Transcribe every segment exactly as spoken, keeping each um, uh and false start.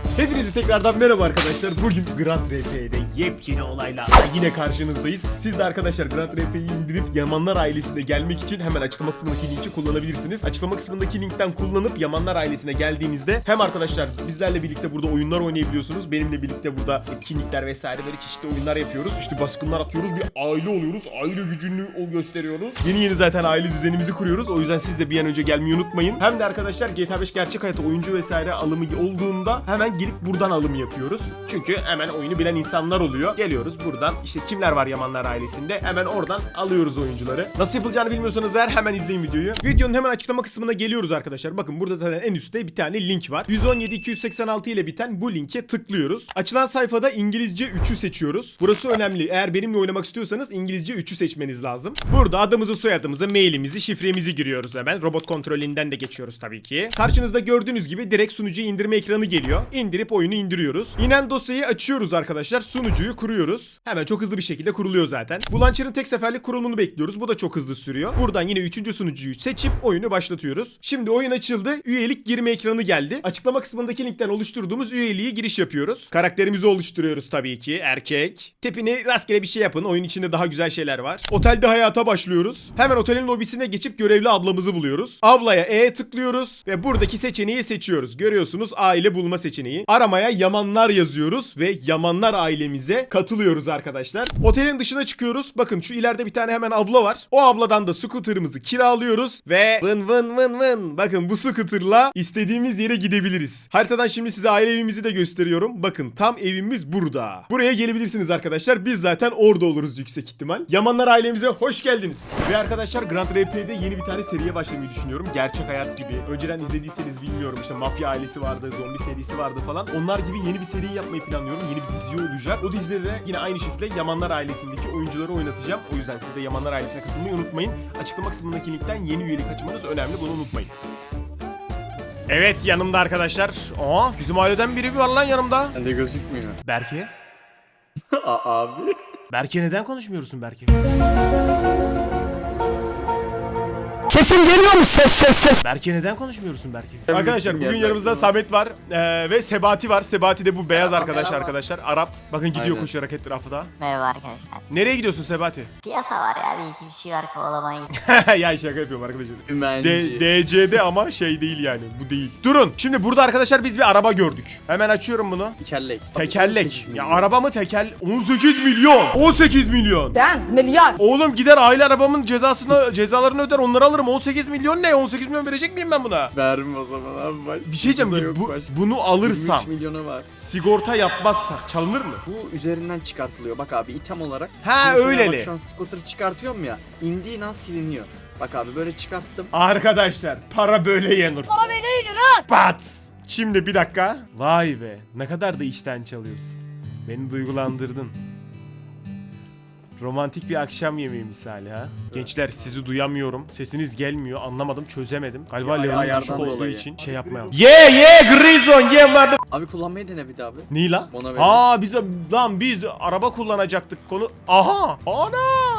Hepinize tekrardan merhaba arkadaşlar. Bugün Grand R P'de yepyeni olayla yine karşınızdayız. Siz de arkadaşlar Grand R P'yi indirip Yamanlar ailesine gelmek için hemen açıklama kısmındaki linki kullanabilirsiniz. Açıklama kısmındaki linkten kullanıp Yamanlar ailesine geldiğinizde hem arkadaşlar bizlerle birlikte burada oyunlar oynayabiliyorsunuz. Benimle birlikte burada etkinlikler vesaire böyle çeşitli oyunlar yapıyoruz. İşte baskınlar atıyoruz, bir aile oluyoruz. Aile gücünü gösteriyoruz. Yeni yeni zaten aile düzenimizi kuruyoruz. O yüzden siz de bir an önce gelmeyi unutmayın. Hem de arkadaşlar G T A beş gerçek hayata oyuncu vesaire alımı olduğunda hemen girip buradan alım yapıyoruz. Çünkü hemen oyunu bilen insanlar oluyor. Geliyoruz buradan işte kimler var Yamanlar ailesinde hemen oradan alıyoruz oyuncuları. Nasıl yapılacağını bilmiyorsanız eğer hemen izleyin videoyu. Videonun hemen açıklama kısmına geliyoruz arkadaşlar. Bakın burada zaten en üstte bir tane link var. yüz on yedi iki yüz seksen altı ile biten bu linke tıklıyoruz. Açılan sayfada İngilizce üçü seçiyoruz. Burası önemli. Eğer benimle oynamak istiyorsanız İngilizce üçü seçmeniz lazım. Burada adımızı, soyadımızı, mailimizi, şifremizi giriyoruz hemen. Robot kontrolünden de geçiyoruz tabii ki. Karşınızda gördüğünüz gibi direkt sunucuya indirme ekranı geliyor. İndirip oyunu indiriyoruz. İnen dosyayı açıyoruz arkadaşlar. Sunucuyu kuruyoruz. Hemen çok hızlı bir şekilde kuruluyor zaten. Bu launcher'ın tek seferlik kurulumunu bekliyoruz. Bu da çok hızlı sürüyor. Buradan yine üçüncü sunucuyu seçip oyunu başlatıyoruz. Şimdi oyun açıldı. Üyelik girme ekranı geldi. Açıklama kısmındaki linkten oluşturduğumuz üyeliğe giriş yapıyoruz. Karakterimizi oluşturuyoruz tabii ki. Erkek. Tipini rastgele bir şey yapın. Oyun içinde daha güzel şeyler var. Otelde hayata başlıyoruz. Hemen otelin lobisine geçip görevli ablamızı buluyoruz. Ablaya E tıklıyoruz ve buradaki seçeneği seçiyoruz. Görüyorsunuz aile bulma seçeneği. Aramaya Yamanlar yazıyoruz ve Yamanlar ailemize katılıyoruz arkadaşlar. Otelin dışına çıkıyoruz. Bakın şu ileride bir tane hemen abla var. O abladan da scooter'ımızı kiralıyoruz ve vın vın vın vın. Bakın bu scooter'la istediğimiz yere gidebiliriz. Haritadan şimdi size aile evimizi de gösteriyorum. Bakın tam evimiz burada. Buraya gelebilirsiniz arkadaşlar. Biz zaten orada oluruz yüksek ihtimal. Yamanlar ailemize hoş geldiniz. Ve arkadaşlar Grand R P'de yeni bir tane seriye başlamayı düşünüyorum. Gerçek hayat gibi. Önceden izlediyseniz bilmiyorum işte Mafya ailesi vardı, zombi serisi vardı falan. Onlar gibi yeni bir seri yapmayı planlıyorum. Yeni bir dizi olacak. O dizide de yine aynı şekilde Yamanlar ailesindeki oyuncuları oynatacağım. O yüzden siz de Yamanlar ailesine katılmayı unutmayın. Açıklama kısmındaki linkten yeni üyelik açmanız önemli. Bunu unutmayın. Evet yanımda arkadaşlar. Aa bizim aileden biri var lan yanımda. Bende gözükmüyor. Berke. Abi. Berke neden konuşmuyorsun Berke? Sesim geliyor mu? Ses ses ses. Berke neden konuşmuyorsun Berke? Tabii Arkadaşlar bugün geldi yanımızda aklıma. Samet var ee, ve Sebati var. Sebati de bu beyaz Merhaba, arkadaş merhaba. arkadaşlar. Arap. Bakın gidiyor Aynen. koşarak etrafta. Merhaba arkadaşlar. Nereye gidiyorsun Sebati? Piyasa var ya, bir iki bir şey var, kovalamayı. Ya şaka yapıyorum arkadaşlar. Ümenci. D- D C'de ama şey değil yani. Bu değil. Durun. Şimdi burada arkadaşlar biz bir araba gördük. Hemen açıyorum bunu. Tekerlek. Tekerlek. Ya araba mı tekel? on sekiz milyon. on sekiz milyon. Ben milyar. Oğlum gider aile arabamın cezasını cezalarını öder onları alırım. on sekiz milyon ne? on sekiz milyon verecek miyim ben buna? Verme o zaman abi. Baş. Bir şey diyeceğim. Ucuza Bu, yok bu- baş. bunu alırsam yirmi üç milyona var. sigorta yapmazsak çalınır mı? Bu üzerinden çıkartılıyor. Bak abi item olarak. Ha, Mesela öyleli. Bak şu an scooter çıkartıyorum ya. İndiğin an siliniyor. Bak abi böyle çıkarttım. Arkadaşlar para böyle yenir. Para böyle yenir ha. Pat. Şimdi bir dakika. Vay be. Ne kadar da içten çalıyorsun. Beni duygulandırdın. Romantik bir akşam yemeği misali ha. Gençler sizi duyamıyorum. Sesiniz gelmiyor. Anlamadım, çözemedim. Galiba Ya, level'ın ayardan düşük olduğu dolayı. için şey yapmayalım. Ye ye Grison ye vardı. Abi kullanmayı dene bir daha abi. Niye lan? Ona verin. Aa biz lan biz araba kullanacaktık konu. Aha! Ana!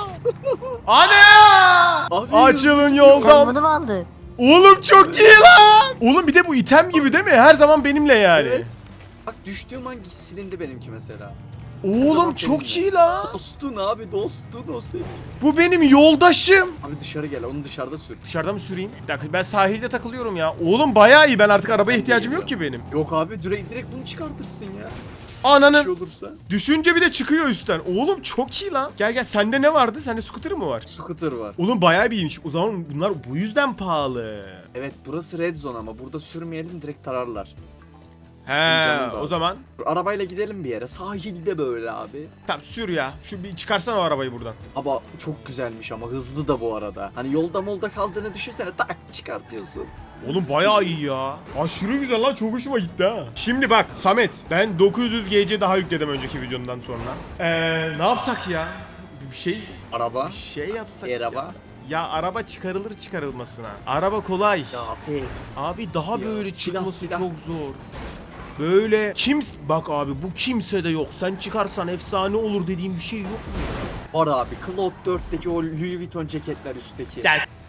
Ana! Abi, Açılın Sen yoldan. bunu mu aldın? Oğlum çok iyi lan. Oğlum bir de bu item gibi değil mi? Her zaman benimle yani. Evet. Bak düştüğüm an silindi benimki mesela. Oğlum zaman çok seninle. iyi lan. Dostun abi dostun o senin. Bu benim yoldaşım. Abi dışarı gel onu dışarıda sür. Dışarıda mı süreyim? Bir dakika ben sahilde takılıyorum ya. Oğlum bayağı iyi. Ben artık arabaya ihtiyacım yok ki benim. Yok abi direkt, direkt bunu çıkartırsın ya. Bir şey Ananın. olursa. Düşünce bir de çıkıyor üstten. Oğlum çok iyi lan. Gel gel sende ne vardı? Sende scooter mı var? Scooter var. Oğlum bayağı bir iyiymiş. O zaman bunlar bu yüzden pahalı. Evet burası red zone ama burada sürmeyelim direkt tararlar. He Canım da o var. zaman Arabayla gidelim bir yere sahilde böyle abi. tamam sür ya. Şu bir çıkarsana o arabayı buradan. Ama çok güzelmiş ama hızlı da bu arada. Hani yolda molda kaldığını düşünsene tak çıkartıyorsun. Oğlum bayağı iyi ya. Aşırı güzel lan çok hoşuma gitti ha. Şimdi bak Samet ben dokuz yüz G C daha yükledim önceki videomdan sonra. Eee ne yapsak ya? Bir şey Araba. bir şey yapsak Araba. ya. Ya araba çıkarılır çıkarılmasına. Araba kolay. Ya fe. Abi daha Ya, böyle silah, çıkması silah. çok zor. Böyle kim bak abi bu kimse de yok. Sen çıkarsan efsane olur dediğim bir şey yok mu? Var abi Cloud dörtteki o Louis Vuitton ceketler üstteki. Ya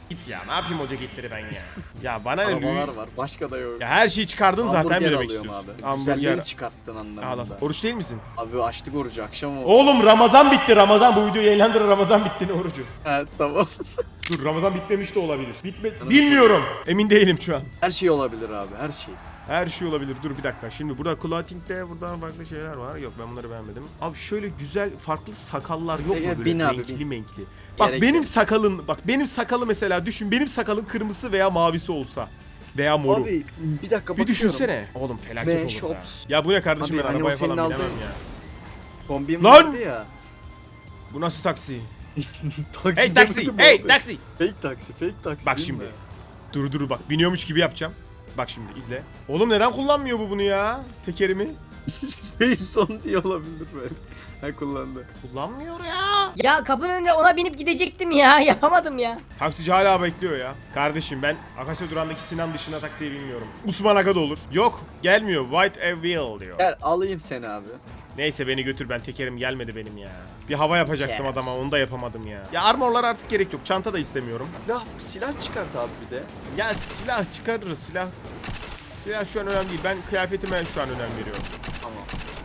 Git ya, ne yapayım hoca gittiri ben ya. Ya bana ne Arabalar büyük. var. Başka da yok. Ya her şeyi çıkardın zaten Hamburger mi demek alıyorum istiyorsun? Abi. Güzelleri Hamburger. çıkarttın Al al. anlamında. Oruç değil misin? Abi açtık orucu akşam oldu. Oğlum Ramazan bitti Ramazan. Bu video yayınlandır, Ramazan bitti, ne orucu? He tamam. Dur, Ramazan bitmemiş de olabilir. Bitme bilmiyorum. Emin değilim şu an. Her şey olabilir abi her şey. Her şey olabilir. Dur bir dakika. Şimdi burada clothing'de burada farklı şeyler var. Yok, ben bunları beğenmedim. Abi şöyle güzel farklı sakallar yok mu Gel, böyle bin abi, renkli bin. menkli? Bak Gerek benim yok. sakalın, bak benim sakalı mesela düşün. Benim sakalın kırmızısı veya mavisi olsa veya moru. Abi bir dakika bir bakıyorum. düşünsene. Oğlum felaket Ve olur shops. ya. Ya bu ne kardeşim, Abi, ben hani arabaya o senin falan binemem aldığın- ya. Kombim Lan! vardı ya. Bu nasıl taksi? Taksi Hey taksi! demedim Hey abi. taksi! Fake taksi, fake taksi. Bak değil şimdi. mi? Dur dur bak, biniyormuş gibi yapacağım. Bak şimdi izle. Oğlum neden kullanmıyor bu bunu ya? Tekerimi. Save son diye olabilir belki. Ha kullandı. Kullanmıyor ya. Ya kapının önüne ona binip gidecektim ya. Yapamadım ya. Taksici hala bekliyor ya. Kardeşim ben Akasya durağındaki Sinan dışında taksiye binmiyorum. Osman Aga da olur. Yok gelmiyor. White a wheel diyor. Gel alayım seni abi. Neyse beni götür, ben tekerim gelmedi benim ya. Bir hava yapacaktım Ya. adama, onu da yapamadım ya. Ya armorlar artık gerek yok. Çanta da istemiyorum. Silah, silah çıkart abi bir de. Ya silah çıkarırız, silah. Silah şu an önemli değil. Ben kıyafetime şu an önem veriyorum. Tamam.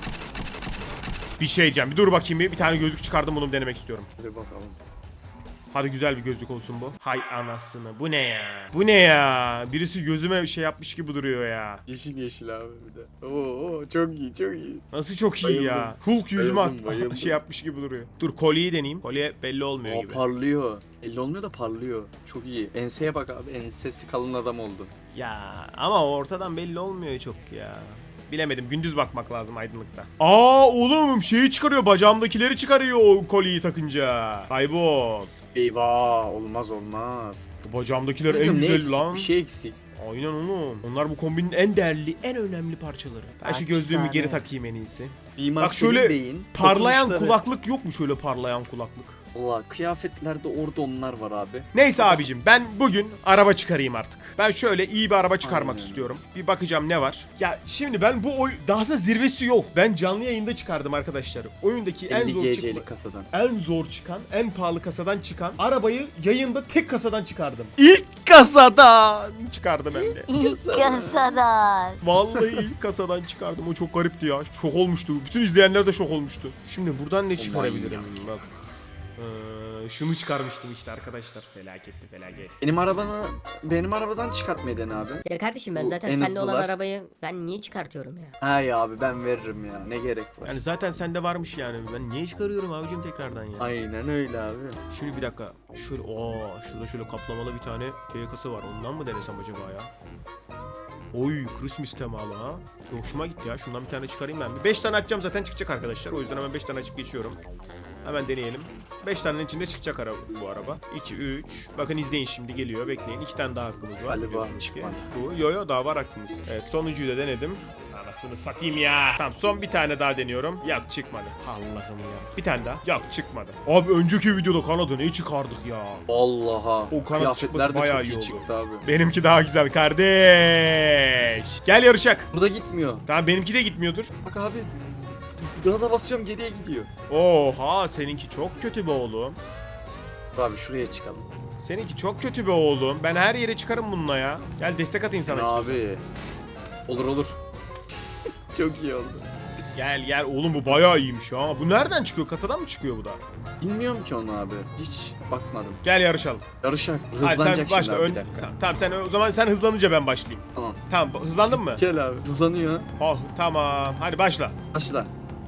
Bir şey diyeceğim. Bir dur bakayım bir. Bir tane gözlük çıkardım, bunu denemek istiyorum. Hadi bakalım. Hadi güzel bir gözlük olsun bu. Hay anasını. Bu ne ya? Bu ne ya? Birisi gözüme bir şey yapmış gibi duruyor ya. Yeşil yeşil abi bir de. Oo çok iyi çok iyi. Nasıl çok iyi ya. Bayıldım. Hulk yüzüme Bayıldım, at- bayıldım. şey yapmış gibi duruyor. Dur kolyeyi deneyeyim. Kolye belli olmuyor Aa, gibi. parlıyor. Elli olmuyor da parlıyor. Çok iyi. Enseye bak abi. Ensesi kalın adam oldu. Ya ama ortadan belli olmuyor çok ya. Bilemedim. Gündüz bakmak lazım aydınlıkta. Aa oğlum şeyi çıkarıyor. Bacağımdakileri çıkarıyor o kolyeyi takınca. Kaybol. Eyvah olmaz olmaz. Bu bacağımdakiler en Dedim, ne güzel eksik? lan. Bir şey eksik. Aynen oğlum. Onlar bu kombinin en değerli, en önemli parçaları. Ben şu gözlüğümü geri takayım en iyisi. Mimar Bak şöyle Beyin, parlayan dokunuşları. kulaklık yok mu, şöyle parlayan kulaklık? Valla kıyafetlerde orada onlar var abi. Neyse abicim, ben bugün araba çıkarayım artık. Ben şöyle iyi bir araba çıkarmak Aynen. istiyorum. Bir bakacağım ne var. Ya şimdi ben bu oy daha aslında zirvesi yok. Ben canlı yayında çıkardım arkadaşlar. Oyundaki en elli zor G çıkan, C'lik kasadan. en zor çıkan, en pahalı kasadan çıkan arabayı yayında tek kasadan çıkardım. İlk kasadan çıkardım hem de. İlk kasadan. Vallahi ilk kasadan çıkardım. O çok garipti ya. Şok olmuştu. Bütün izleyenler de şok olmuştu. Şimdi buradan ne çıkarabilirim? Bak. Ee, şunu çıkarmıştım işte arkadaşlar. Felaketti felaket. Benim arabanı benim arabadan çıkartmayı dene abi. Ya kardeşim ben Bu zaten en seninle olan hızlılar. arabayı ben niye çıkartıyorum ya? Hay abi ben veririm ya. Ne gerek var? Yani zaten sende varmış yani. Ben niye çıkarıyorum abicim tekrardan ya? Aynen öyle abi. Şimdi bir dakika. Şöyle ooo şurada şöyle kaplamalı bir tane T kası var. Ondan mı denesem acaba ya? Oy Christmas temalı ha. Hoşuma gitti ya. Şundan bir tane çıkarayım ben. Bir beş tane açacağım zaten çıkacak arkadaşlar. O yüzden hemen beş tane açıp geçiyorum. Hemen deneyelim. beş tanenin içinde çıkacak araba, bu araba. iki, üç. Bakın izleyin şimdi geliyor. Bekleyin. iki tane daha hakkımız var. Galiba biliyorsunuz ki. çıkmadı. Bu. Yo yo daha var hakkımız. Evet sonuncuyu da denedim. Anasını satayım ya. Tamam son bir tane daha deniyorum. Yok çıkmadı. Allah'ım ya. Bir tane daha. Yok çıkmadı. Abi önceki videoda kanadı ne çıkardık ya. Vallahi. O kanat Kıyafetler çıkması de bayağı çok iyi iyi oldu. çıktı abi. Benimki daha güzel kardeş. Gel yarışak. Burada gitmiyor. Tamam benimki de gitmiyordur. Bak abi. Gaza basıyorum geriye gidiyor. Oha seninki çok kötü be oğlum. Dur abi şuraya çıkalım. Seninki çok kötü be oğlum. Ben her yere çıkarım bununla ya. Gel destek atayım sana istiyorsan. Abi. Olur olur. Çok iyi oldu. Gel gel oğlum bu bayağı iyiymiş ha. Bu nereden çıkıyor? Kasadan mı çıkıyor bu da? Bilmiyorum ki onu abi. Hiç bakmadım. Gel yarışalım. Yarışak. Hadi Hızlanacak sen başla. şimdi abi Ön... bir dakika. Tamam, tamam sen o zaman sen hızlanınca ben başlayayım. Tamam. Tamam hızlandın mı? Gel abi. Hızlanıyor. Oh tamam. Hadi başla. Başla.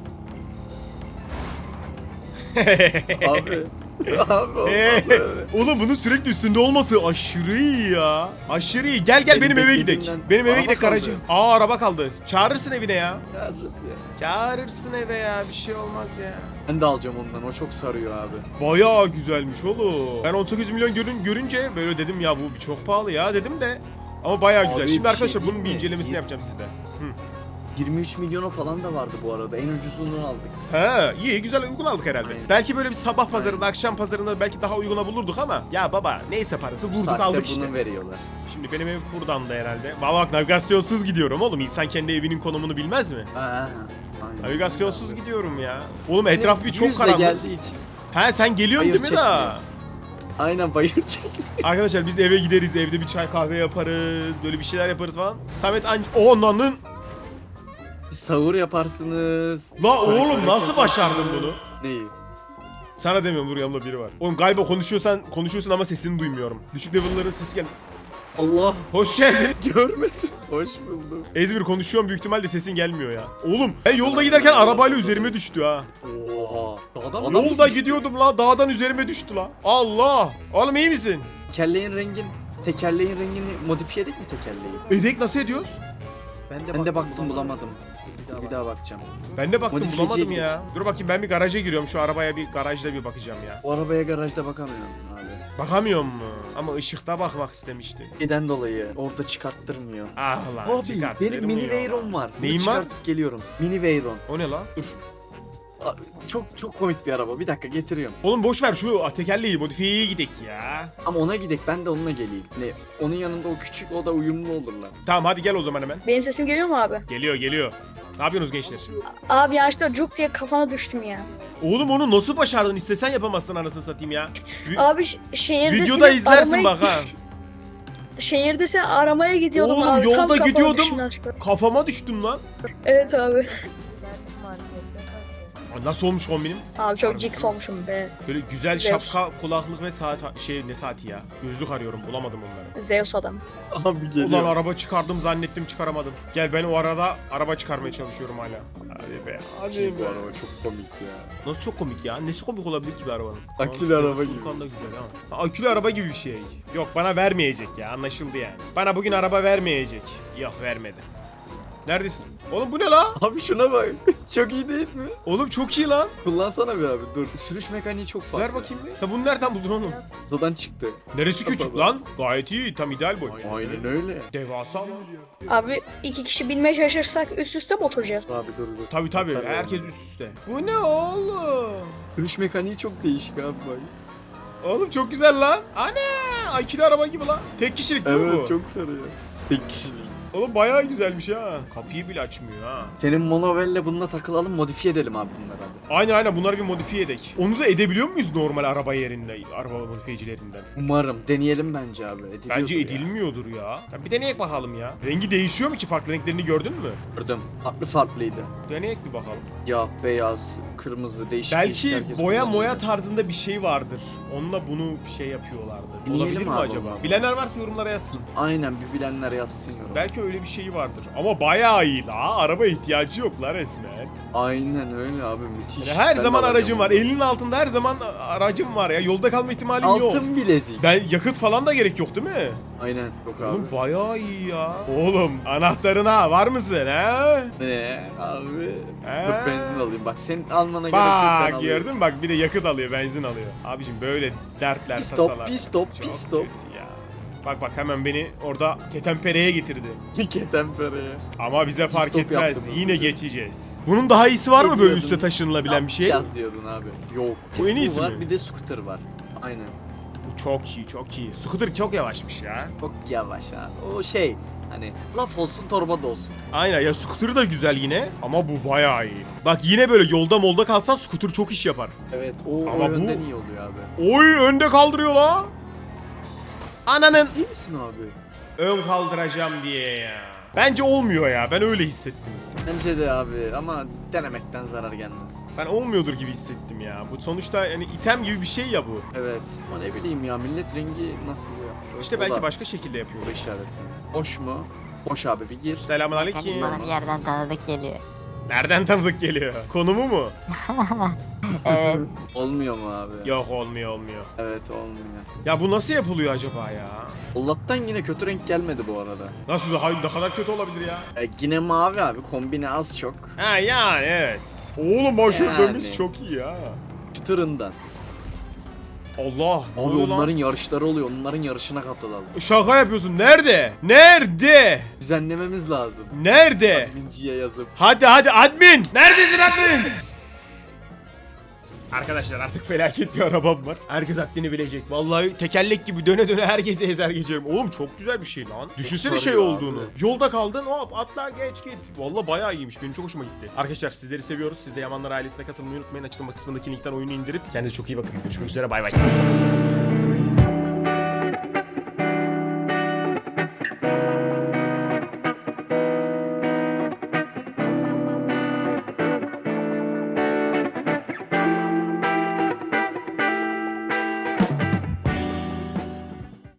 Abi. Abi olmaz öyle. Oğlum bunun sürekli üstünde olması aşırı iyi ya. Aşırı iyi. Gel gel benim, Benim eve gidelim. beklediğimden- Benim eve Araba gidelim kaldı. aracı. Aa araba kaldı. Çağırırsın evine ya. Yarısı ya. Çağırırsın eve ya. Bir şey olmaz ya. Ben de alacağım ondan. O çok sarıyor abi. Bayağı güzelmiş oğlum. Ben on sekiz milyon görün, görünce böyle dedim ya bu çok pahalı ya dedim de. Ama bayağı güzel. Abi Şimdi bir arkadaşlar şey bunun bir değil mi? incelemesini Bir- yapacağım sizde. Hı. yirmi üç milyona falan da vardı bu arada. En ucuzunu aldık. He iyi güzel uygun aldık herhalde. Aynen. Belki böyle bir sabah pazarında akşam pazarında belki daha uyguna bulurduk ama ya baba neyse parası vurduk Saatte aldık bunu işte. veriyorlar. Şimdi benim ev buradan da herhalde. Valla bak navigasyonsuz gidiyorum oğlum. İnsan kendi evinin konumunu bilmez mi? Ha, aynen. Navigasyonsuz Abi. gidiyorum ya. Oğlum etraf bir çok Yüzle karanlık. geldiği için. He sen geliyorsun Hayır, değil mi daha? Aynen bayılacak. Arkadaşlar biz eve gideriz, evde bir çay kahve yaparız, böyle bir şeyler yaparız falan. Samet an... Onanın... Sahur yaparsınız. La oğlum nasıl başardın bunu? Neyi? Sana demiyorum, dur yanımda biri var. Oğlum galiba konuşuyorsan konuşuyorsun ama sesini duymuyorum. Düşük level'ların sesi gel. Allah. Hoş geldin. Görmedim. Hoş buldum. Ezmir konuşuyorum, büyük ihtimalle sesin gelmiyor ya. Oğlum ben yolda giderken arabayla üzerime düştü ha. Oha. Dağdan Yolda gidiyordum la, dağdan üzerime düştü la. Allah. Oğlum iyi misin? Tekerleğin rengin, tekerleğin rengini modifiye edelim mi tekerleği? Edek nasıl ediyoruz? Ben de, ben de baktım bulamadım. Bir daha bakacağım. Ben de baktım Modifiyeciye bulamadım gidip- ya. Dur bakayım, ben bir garaja giriyorum, şu arabaya bir garajda bir bakacağım ya. O arabaya garajda bakamıyorum abi. Bakamıyorum mu? Ama ışıkta bakmak istemiştim. Neden dolayı orada çıkarttırmıyor. Ah lan, Abi çıkart. benim mini vermiyor. Veyron var. Bunu Neyin var? çıkartıp geliyorum. Mini Veyron. O ne la? Abi, çok çok komik bir araba. Bir dakika getiriyorum. Oğlum boş ver şu tekerleği, modifiyeye gidek ya. Ama ona gidek ben de onunla geleyim. Ne? Onun yanında o küçük o da uyumlu olurlar. Tamam hadi gel o zaman hemen. Benim sesim geliyor mu abi? Geliyor geliyor. Ne yapıyorsunuz gençler? Abi yanlışlıkla cuk diye kafana düştüm ya. Oğlum onu nasıl başardın? İstesen yapamazsın anasını satayım ya. Vi- Abi ş- şehirde Videoda seni izlersin aramaya- bak ha. Şehirde seni aramaya gidiyordum Oğlum, abi. yolda Tam kafana gidiyordum. düştüm yanlışlıkla. Kafama düştün lan. Evet abi. Aa, nasıl olmuş kombinim? Abi çok jiks olmuşum be. Şöyle güzel Zeus. şapka, kulaklık ve saat şey ne saati ya? Gözlük arıyorum, bulamadım onları. Zeus adam. Abi geliyor. Ulan araba çıkardım zannettim, çıkaramadım. Gel ben o arada araba çıkarmaya çalışıyorum hala. Hadi be. Hadi Şey, bu be. araba çok komik ya. Nasıl çok komik ya? Nesi komik olabilir ki bir arabanın? Akülü Aa, araba gibi. Furkan da güzel ha. Ha, akülü araba gibi bir şey. Yok bana vermeyecek ya, anlaşıldı yani. Bana bugün araba vermeyecek. Yok vermedi. Neredesin? Oğlum bu ne la? Abi şuna bak. Çok iyi değil mi? Oğlum çok iyi lan. Kullansana bir abi dur. Sürüş mekaniği çok farklı. Ver bakayım bir. Ya bunu nereden buldun oğlum? Zadan çıktı. Neresi küçük lan? Gayet iyi, tam ideal boy. Aynen öyle. Devasa lan. Abi iki kişi binmeye çalışırsak üst üste mi oturacağız? Abi dur dur. Tabi tabi, Tabii herkes oğlum. üst üste. Bu ne oğlum? Sürüş mekaniği çok değişik abi bak. Oğlum çok güzel lan. Ana! Akülü araba gibi lan. Tek kişilik değil mi bu? Evet çok sarıyor. Tek kişilik. Oğlum bayağı güzelmiş ha. Kapıyı bile açmıyor ha. Senin monovelle bununla takılalım modifiye edelim abi bunları hadi. Aynen aynen, bunları bir modifiye edek. Onu da edebiliyor muyuz normal araba yerinde, araba modifiyecilerinden? Umarım deneyelim bence abi. Ediliyordur Bence ya. edilmiyordur ya. Ya bir deneyek bakalım ya. Rengi değişiyor mu ki? Farklı renklerini gördün mü? Gördüm. Farklı farklıydı. Deneyek bir bakalım. Ya beyaz, kırmızı değişik. değişik Belki herkes boya kullanıyor. moya tarzında bir şey vardır. Onunla bunu şey yapıyorlardır. Deneyelim Olabilir mi abi acaba? onu. Bilenler varsa yorumlara yazsın. Aynen bir bilenler yazsın yorum. Belki öyle bir şey vardır. Ama bayağı iyi la. Araba ihtiyacı yok la resmen. Aynen öyle abi müthiş. Yani her Ben de zaman alacağım aracım var. onu. Elinin altında her zaman aracım var ya. Yolda kalma ihtimalin yok. Altın bilezik. Ben yakıt falan da gerek yok değil mi? Aynen yok abi. Oğlum bayağı iyi ya. Oğlum anahtarına var mısın he? Ne abi? He? Dur benzin alayım bak senin almana gerek yok ben Bak alıyorum. gördün mü? Bak bir de yakıt alıyor, benzin alıyor. Abicim böyle dertler, Pis stop, tasalar. pis stop, Çok pis stop. kötü ya. Bak bak hemen beni orada ketempereye getirdi. Ketempereye. Ama bize fark stop etmez. yaptım Yine hızlıca. geçeceğiz. Bunun daha iyisi var Ne mı böyle diyordun? üste taşınılabilen bir şey? Yapacağız diyordun abi. Yok. Bu en iyisi var, mi? bir de scooter var. Aynen. Bu çok iyi, çok iyi. Scooter çok yavaşmış ya. Çok yavaş abi. O şey hani laf olsun torba da olsun. Aynen ya, scooter da güzel yine ama bu bayağı iyi. Bak yine böyle yolda molda kalsan scooter çok iş yapar. Evet o, Ama o bu- yönden iyi oluyor abi. Oy önde kaldırıyor la. Ananın İyi misin abi? ön kaldıracağım diye ya. Bence olmuyor ya, ben öyle hissettim. Bence de abi ama denemekten zarar gelmez. Ben olmuyordur gibi hissettim ya. Bu sonuçta yani item gibi bir şey ya bu. Evet. Ama ne bileyim ya millet rengi nasıl ya? İşte O belki da başka şekilde yapıyor. bu işaretli. Boş mu? Boş abi bir gir. Selamünaleyküm. Bana bir yerden tanıdık geliyor. Nereden tanıdık geliyor? Konumu mu? Evet. Olmuyor mu abi? Yok olmuyor olmuyor. Evet olmuyor. Ya bu nasıl yapılıyor acaba ya? Allah'tan yine kötü renk gelmedi bu arada. Nasıl, hayır ne kadar kötü olabilir ya? E, yine mavi abi kombine az çok. Ha yani evet. Oğlum başörtümüz Yani. çok iyi ya. Çıtırından. Allah. ne Abi oluyor lan? onların yarışları oluyor. Onların yarışına katılalım. Şaka yapıyorsun. Nerede? Nerede? Düzenlememiz lazım. Nerede? Adminciye yazıp. Hadi hadi admin. Neredesin admin? Arkadaşlar artık felaket bir arabam var. Herkes haddini bilecek. Vallahi tekerlek gibi döne döne herkesi ezer geçerim. Oğlum çok güzel bir şey lan. Düşünsene şey sarıyor olduğunu. abi. Yolda kaldın, hop atla geç git. Vallahi bayağı iyiymiş. Benim çok hoşuma gitti. Arkadaşlar sizleri seviyoruz. Siz de Yamanlar ailesine katılmayı unutmayın. Açıklama kısmındaki linkten oyunu indirip kendinize çok iyi bakın. Görüşmek üzere, bay bay.